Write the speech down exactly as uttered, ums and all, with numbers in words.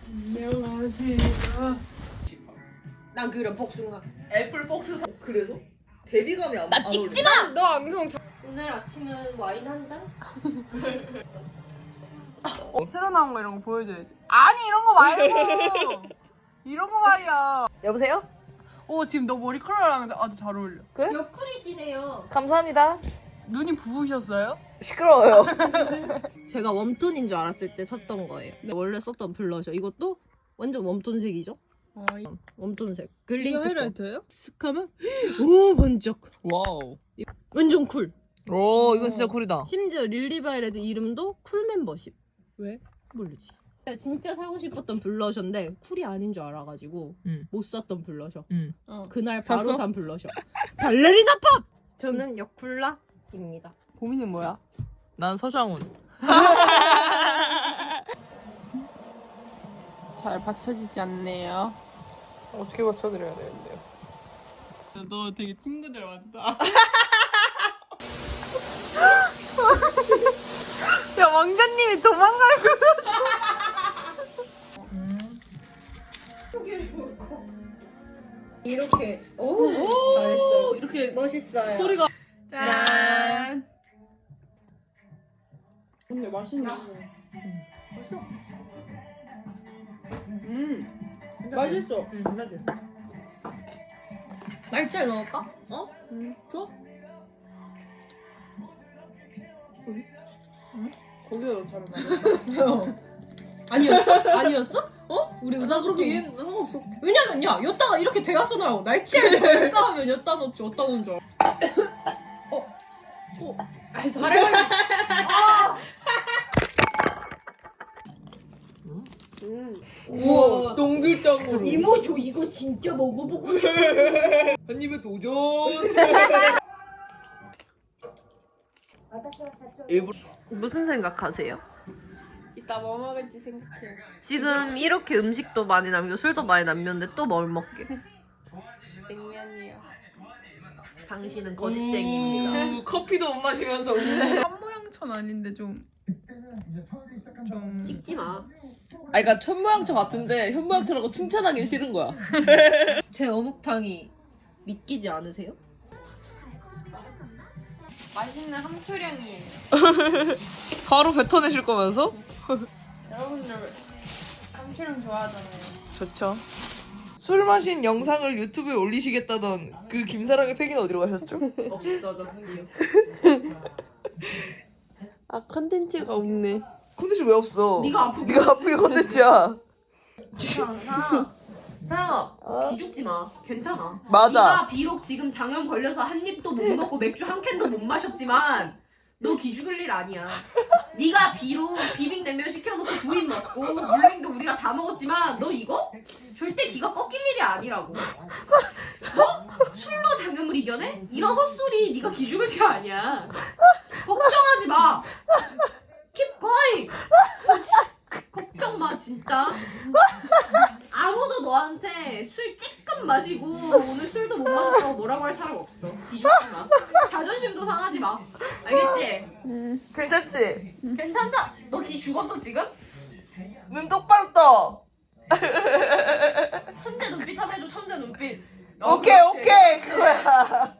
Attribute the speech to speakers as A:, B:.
A: 안녕하세요.
B: 난 그런 복숭아.
C: 애플 복수 사... 그래서? 대비감이 안,
B: 나
C: 안
B: 찍지
C: 어울려.
B: 마!
A: 너 안경 잘...
B: 오늘 아침은 와인 한 잔?
A: 새로 나온 거 이런 거 보여줘야지. 아니 이런 거 말고 이런 거 말이야.
C: 여보세요?
A: 오 지금 너 머리 컬러랑 아주 잘 어울려.
C: 그래?
B: 옆구리시네요.
C: 감사합니다.
A: 눈이 부으셨어요?
C: 시끄러워요.
B: 제가 웜톤인 줄 알았을 때 샀던 거예요. 근데 원래 썼던 블러셔. 이것도 완전 웜톤색이죠?
A: 어, 이-
B: 웜톤색.
A: 이거
B: 글린트 거.
A: 하이라이터예요?
B: 쓱 하면 오 번쩍.
C: 와우.
B: 완전 쿨.
C: 오, 이건 진짜 쿨이다.
B: 심지어 릴리바이레드 이름도 쿨 멤버십.
A: 왜?
B: 모르지. 진짜 사고 싶었던 블러셔인데 쿨이 아닌 줄 알아가지고
C: 응.
B: 못 샀던 블러셔.
C: 응.
A: 어.
B: 그날 바로
C: 샀어?
B: 산 블러셔. 발레리나 팝! 저는 여쿨라입니다.
A: 고민은 뭐야?
C: 난 서장훈.
A: 잘 받쳐지지 않네요.
C: 어떻게 맞춰드려야 되는데요?
A: 너 되게 친구들 많다. 야 왕자님이 도망갈 거.
B: 이렇게 오,
C: 오,
B: 이렇게 멋있어요.
C: 소리가.
A: 짠. 근데 맛있네.
B: 맛있어.
A: 음, 맛있어.
C: 응, 맞지.
B: 날치알 넣을까?
C: 어?
A: 음,
C: 좋아?
A: 거기가 더 잘 맞아.
B: 아니었어? 아니었어? 어? 우리
C: 나
B: 의사소통.
C: 그렇게 얘는 상관없어.
B: 왜냐면 야 여따가 이렇게 대화써 나오고 날치알 넣을까 하면 여따 넣지 어따 넣은 줄 알아. 어? 어? 아이 말해 말해.
A: 음.
C: 우와, 동글동글.
B: 이모 저 이거 진짜 먹어보고 싶어.
C: 한 입에 도전. 일부러.
B: 무슨 생각하세요?
A: 이따 뭐 먹을지 생각해.
B: 지금 이렇게 음식도 많이 남기고 술도 많이 남겼는데 또 뭘 먹게?
A: 냉면이요.
B: 당신은 거짓쟁이입니다.
C: 우, 커피도 못 마시면서. 우.
A: 한 모양천 아닌데 좀. 좀.
B: 찍지 마.
C: 아, 그러니까 천모양처 같은데 현모양처라고 칭찬하기 싫은 거야.
B: 제 어묵탕이 믿기지 않으세요?
A: 맛있는 함초량이에요.
C: 바로 뱉어내실 거면서?
A: 여러분들 함초량 좋아하잖아요.
C: 좋죠. 술 마신 영상을 유튜브에 올리시겠다던 그 김사랑의 팩은 어디로 가셨죠?
B: 없어졌지요.
A: 아 컨텐츠가 없네.
C: 콘텐츠 왜 없어?
B: 네가 아프게
C: 네가 아프게 콘텐츠야.
B: 사랑아, 사랑아, 기죽지 마. 괜찮아.
C: 맞아.
B: 네가 비록 지금 장염 걸려서 한 입도 못 먹고 맥주 한 캔도 못 마셨지만 너 기죽을 일 아니야. 네가 비록 비빔냉면 시켜놓고 두 입 먹고 물냉도 우리가 다 먹었지만 너 이거 절대 기가 꺾일 일이 아니라고. 뭐? 술로 장염을 이겨내? 이런 헛소리 네가 기죽을 게 아니야. 걱정하지 마. Keep going. 걱정 마 진짜. 아무도 너한테 술 찌끔 마시고 오늘 술도 못 마셨다고 뭐라고 할 사람 없어. 기죽지 마. 자존심도 상하지 마. 알겠지?
C: 괜찮지?
B: 괜찮자. 너 기 죽었어 지금?
C: 눈 똑바로 떠.
B: 천재 눈빛 한번 해줘. 천재 눈빛.
C: 오케이 오케이 그거야.